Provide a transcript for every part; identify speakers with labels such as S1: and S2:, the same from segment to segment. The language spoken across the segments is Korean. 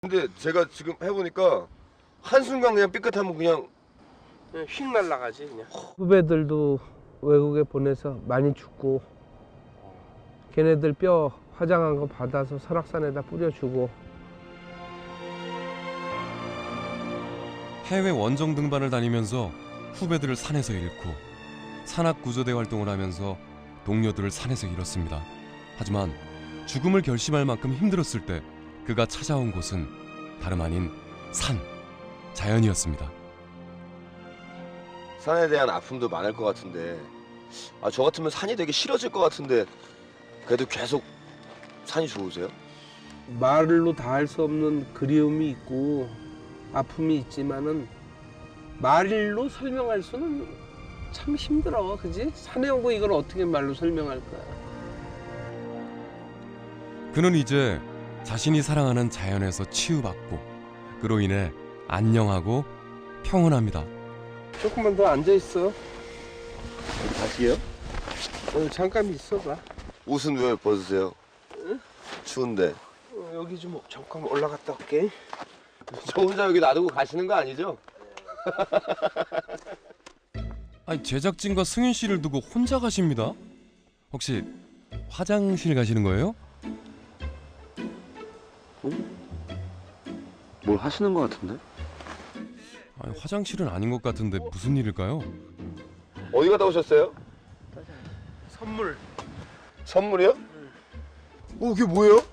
S1: 근데 제가 지금 해보니까 한순간 그냥 삐끗하면 그냥
S2: 휙 날아가지 그냥.
S3: 후배들도 외국에 보내서 많이 죽고, 걔네들 뼈 화장한 거 받아서 설악산에다 뿌려주고.
S4: 해외 원정 등반을 다니면서 후배들을 산에서 잃고, 산악구조대 활동을 하면서 동료들을 산에서 잃었습니다. 하지만 죽음을 결심할 만큼 힘들었을 때 그가 찾아온 곳은 다름 아닌 산, 자연이었습니다.
S1: 산에 대한 아픔도 많을 것 같은데 저 같으면 산이 되게 싫어질 것 같은데 그래도 계속 산이 좋으세요?
S3: 말로 다 할 수 없는 그리움이 있고 아픔이 있지만은 말로 설명할 수는 참 힘들어, 그지? 산에 오고 이걸 어떻게 말로 설명할 거야.
S4: 그는 이제 자신이 사랑하는 자연에서 치유받고 그로 인해 안녕하고 평온합니다.
S3: 조금만 더 앉아 있어.
S1: 다시요?
S3: 잠깐 있어봐.
S1: 옷은 왜 벗으세요? 추운데.
S3: 여기 좀 잠깐 올라갔다 올게.
S1: 저 혼자 여기 놔두고 가시는 거 아니죠?
S4: 아니, 제작진과 승윤 씨를 두고 혼자 가십니다. 혹시 화장실 가시는 거예요?
S1: 뭘 하시는 것 같은데?
S4: 아니, 화장실은 아닌 것 같은데 무슨 일일까요?
S1: 어디 갔다 오셨어요?
S3: 선물.
S1: 선물이요? 오, 그게 뭐예요?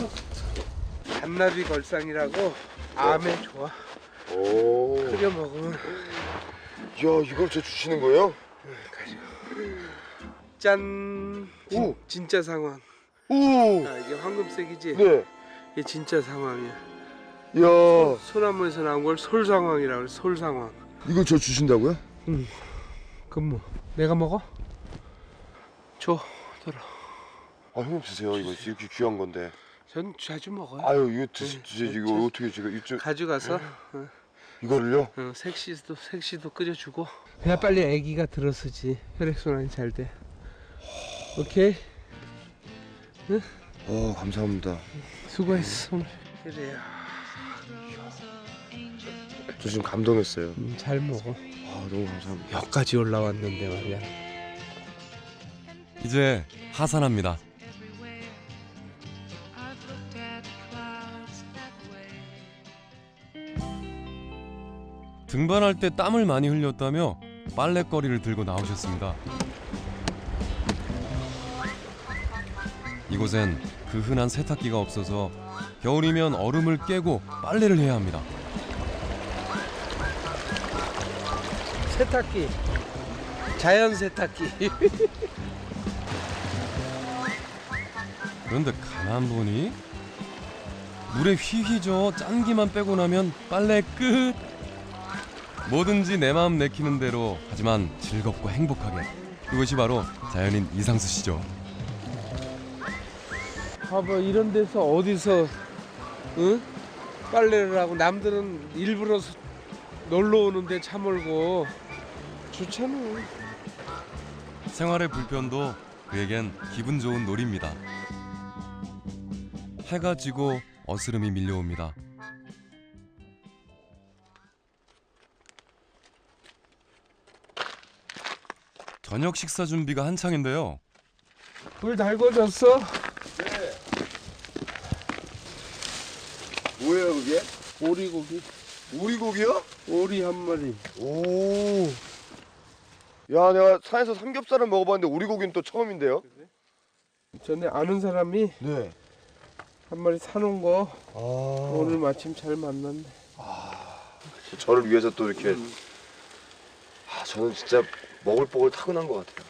S3: 잔나비 걸상이라고 암에 좋아.
S1: 오.
S3: 끓여 먹으면.
S1: 야, 이걸 저 주시는 거예요?
S3: 짠.
S1: 오.
S3: 진짜 상황.
S1: 오.
S3: 이게 황금색이지?
S1: 네.
S3: 이게 진짜 상황이야.
S1: 야,
S3: 소나무에서 나온 걸 솔상황이라고 그래. 솔상황.
S1: 이걸 저 주신다고요?
S3: 그럼 뭐 내가 먹어? 줘. 들어.
S1: 형님 드세요. 이거 이렇게 귀한 건데.
S3: 전 자주 먹어요.
S1: 아유, 이거 드시지. 이거 어떻게 제가 이쪽
S3: 가져가서
S1: 이거를요?
S3: 색시도 끓여주고. 그냥 빨리 아기가 들어서지 혈액순환이 잘 돼. 오케이.
S1: 감사합니다.
S3: 수고했어 오늘. 그래요.
S1: 저 지금 감동했어요.
S3: 잘 먹어.
S1: 너무 감사합니다.
S3: 여기까지 올라왔는데 말이야.
S4: 이제 하산합니다. 등반할 때 땀을 많이 흘렸다며 빨래거리를 들고 나오셨습니다. 이곳엔 그 흔한 세탁기가 없어서 겨울이면 얼음을 깨고 빨래를 해야 합니다.
S3: 세탁기. 자연 세탁기.
S4: 그런데 가만 보니 물에 휘휘저 짠기만 빼고 나면 빨래 끝. 뭐든지 내 마음 내키는 대로, 하지만 즐겁고 행복하게. 그것이 바로 자연인 이상수 씨죠.
S3: 봐봐, 이런 데서 어디서 빨래를 하고, 남들은 일부러 놀러 오는데 차 몰고. 좋잖아.
S4: 생활의 불편도 그에겐 기분 좋은 놀이입니다. 해가 지고 어스름이 밀려옵니다. 저녁 식사 준비가 한창인데요.
S3: 불 달궈졌어?
S1: 네. 뭐예요, 그게?
S3: 오리고기.
S1: 오리고기요?
S3: 오리 한 마리.
S1: 오. 야, 내가 산에서 삼겹살을 먹어봤는데 오리고기는 또 처음인데요?
S3: 전에 아는 사람이
S1: 네.
S3: 한 마리 사놓은 거 오늘 마침 잘 만났네.
S1: 저를 위해서 또 이렇게. 저는 진짜 먹을 복을 타고난 것 같아요.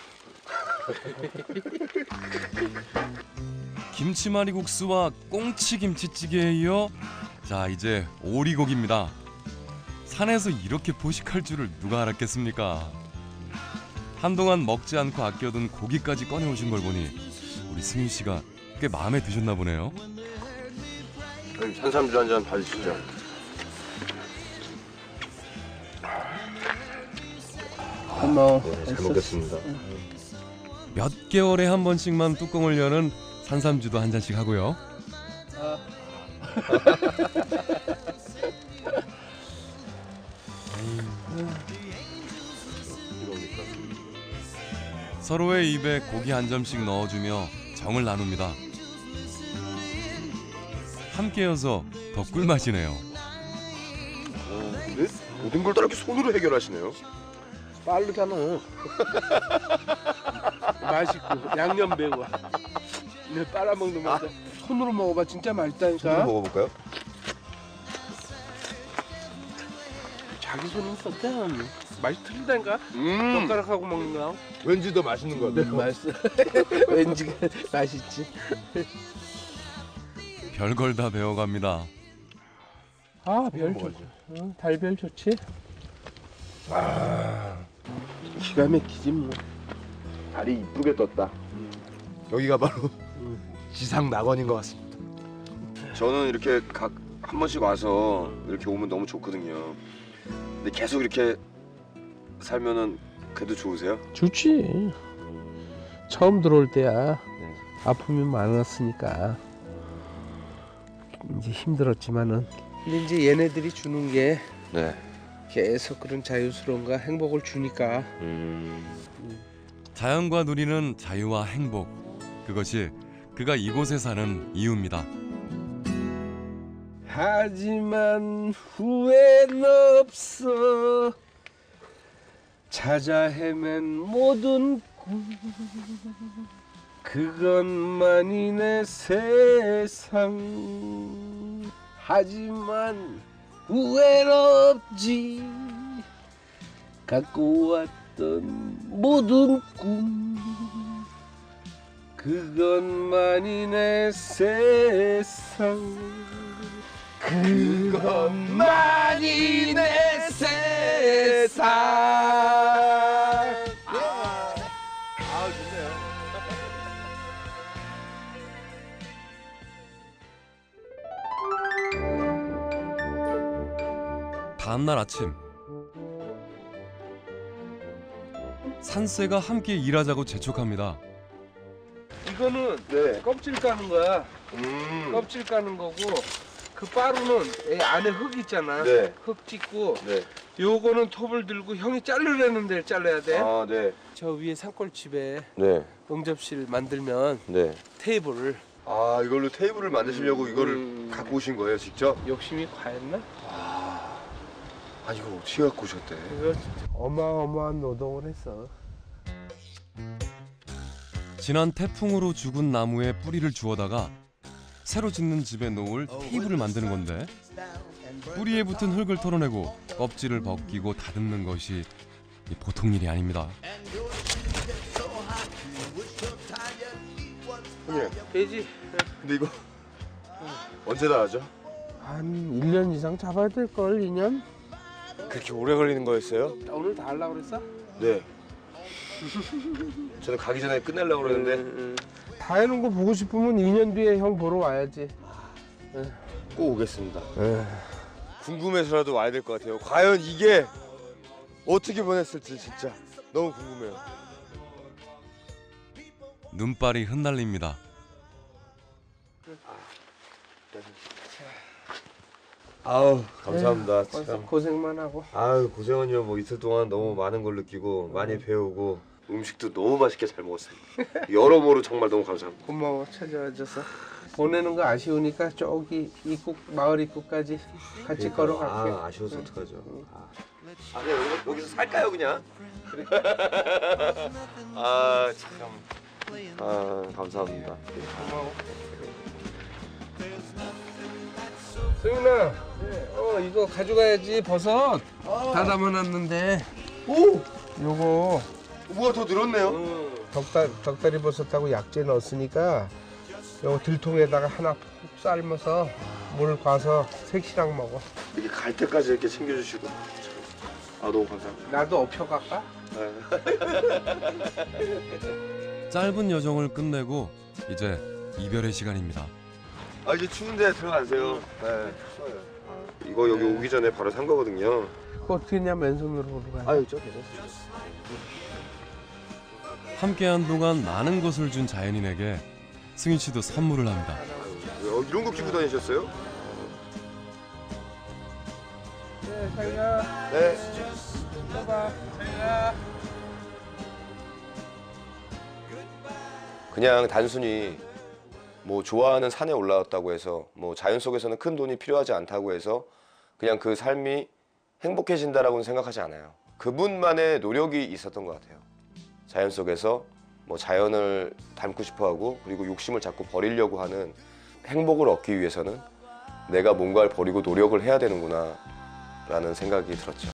S4: 김치말이국수와 꽁치김치찌개에 이어 자, 이제 오리고기입니다. 산에서 이렇게 포식할 줄을 누가 알았겠습니까? 한동안 먹지 않고 아껴둔 고기까지 꺼내오신 걸 보니 우리 승윤 씨가 꽤 마음에 드셨나 보네요.
S1: 형님, 산삼주 한 잔 받으시죠.
S3: 고마워.
S1: 잘 먹겠습니다.
S4: 몇 개월에 한 번씩만 뚜껑을 여는 산삼주도 한 잔씩 하고요. 서로의 입에 고기 한 점씩 넣어주며 정을 나눕니다. 함께여서 더 꿀맛이네요.
S1: 네? 모든 걸 다 이렇게 손으로 해결하시네요.
S2: 빠르잖아. 맛있고 양념 매워. 내 빨아먹는 맛. 손으로 먹어봐 진짜
S1: 손으로
S2: 맛있다니까.
S1: 먹어볼까요?
S2: 자기 손이 있었대. 맛이 틀리다니까.
S1: 음,
S2: 젓가락하고 먹는 거야.
S1: 왠지 더 맛있는 것 같아요.
S2: 맛있어. 왠지 맛있지.
S4: 별걸 다 배워갑니다.
S2: 아, 별 좋지. 달별 좋지. 기가 막히지 뭐.
S1: 달이 이쁘게 떴다. 여기가 바로 지상 낙원인 것 같습니다. 저는 이렇게 각 한 번씩 와서 이렇게 오면 너무 좋거든요. 근데 계속 이렇게 살면은 그래도 좋으세요?
S2: 좋지. 처음 들어올 때야. 아픔이 많았으니까 이제 힘들었지만은. 근데 이제 얘네들이 주는 게
S1: 네.
S2: 계속 그런 자유스러움과 행복을 주니까.
S4: 자연과 누리는 자유와 행복. 그것이 그가 이곳에 사는 이유입니다.
S2: 하지만 후회는 없어. 찾아 헤맨 모든 꿈 그것만이 내 세상. 하지만 후회는 없지. 갖고 왔던 모든 꿈 그것만이 내 세상. 그것만이 내 세상. 좋네요.
S4: 다음날 아침 산새가 함께 일하자고 재촉합니다.
S2: 이거는
S1: 네.
S2: 껍질 까는 거야. 껍질 까는 거고, 그 빠루는 이 안에 흙 있잖아.
S1: 네.
S2: 흙 찍고,
S1: 네.
S2: 요거는 톱을 들고 형이 자르려는 데를 잘라야 돼.
S1: 아, 네.
S2: 저 위에 산골집에
S1: 네.
S2: 응접실 만들면
S1: 네.
S2: 테이블을.
S1: 아, 이걸로 테이블을 만드시려고 이거를 갖고 오신 거예요, 직접?
S2: 욕심이 과했나?
S1: 아, 이거 어떻게 갖고 오셨대?
S2: 이거 진짜 어마어마한 노동을 했어.
S4: 지난 태풍으로 죽은 나무에 뿌리를 주워다가 새로 짓는 집에 놓을 테이블을 만드는 건데 뿌리에 붙은 흙을 털어내고 껍질을 벗기고 다듬는 것이 보통 일이 아닙니다.
S1: 형님,
S2: 돼지
S1: 근데 이거 언제 다 하죠?
S2: 한 1년 이상 잡아야 될걸, 2년?
S1: 그렇게 오래 걸리는 거였어요?
S2: 오늘 다 하려고 그랬어?
S1: 네. 저는 가기 전에 끝내려고 그러는데
S2: 다 해놓은 거 보고 싶으면 2년 뒤에 형 보러 와야지.
S1: 꼭 오겠습니다. 궁금해서라도 와야 될 것 같아요. 과연 이게 어떻게 변했을지 진짜 너무 궁금해요.
S4: 눈발이 흩날립니다.
S1: 아우, 감사합니다.
S2: 벌써
S1: 참.
S2: 고생만 하고.
S1: 아유, 고생은요. 뭐 이틀 동안 너무 많은 걸 느끼고 많이 배우고 음식도 너무 맛있게 잘 먹었어요. 여러모로 정말 너무 감사합니다.
S2: 고마워, 찾아와줘서. 보내는 거 아쉬우니까 저기 입구, 마을 입구까지 같이 걸어갈게.
S1: 아, 아쉬워서 어떡하죠. 아, 그냥 여기서 살까요, 그냥? 아, 참. 아, 감사합니다.
S2: 고마워. 승윤아, 이거 가져가야지. 버섯 다 담아놨는데.
S1: 오!
S2: 요거
S1: 뭐가 더 늘었네요.
S2: 덕다리 버섯하고 약재 넣었으니까 요거 들통에다가 하나 푹 삶아서 물 과서 색시랑 먹어.
S1: 이렇게 갈 때까지 이렇게 챙겨주시고. 참. 아, 너무 감사합니다.
S2: 나도 업혀갈까?
S4: 짧은 여정을 끝내고 이제 이별의 시간입니다.
S1: 아, 이제 추운데 들어가세요. 네. 추워요. 이거 여기 오기 전에 바로 산 거거든요.
S2: 그거 어떻게 했냐, 맨손으로 오르가.
S1: 아유, 저 괜찮습니다.
S4: 함께한 동안 많은 것을 준 자연인에게 승윤 씨도 선물을 합니다.
S1: 이런 거 끼고 다니셨어요?
S2: 잘 가.
S1: 네.
S2: 또 봐. 잘 가.
S1: 그냥 단순히 뭐 좋아하는 산에 올라왔다고 해서 뭐 자연 속에서는 큰 돈이 필요하지 않다고 해서 그냥 그 삶이 행복해진다라고는 생각하지 않아요. 그분만의 노력이 있었던 것 같아요. 자연 속에서 뭐 자연을 닮고 싶어하고 그리고 욕심을 자꾸 버리려고 하는 행복을 얻기 위해서는 내가 뭔가를 버리고 노력을 해야 되는구나 라는 생각이 들었죠.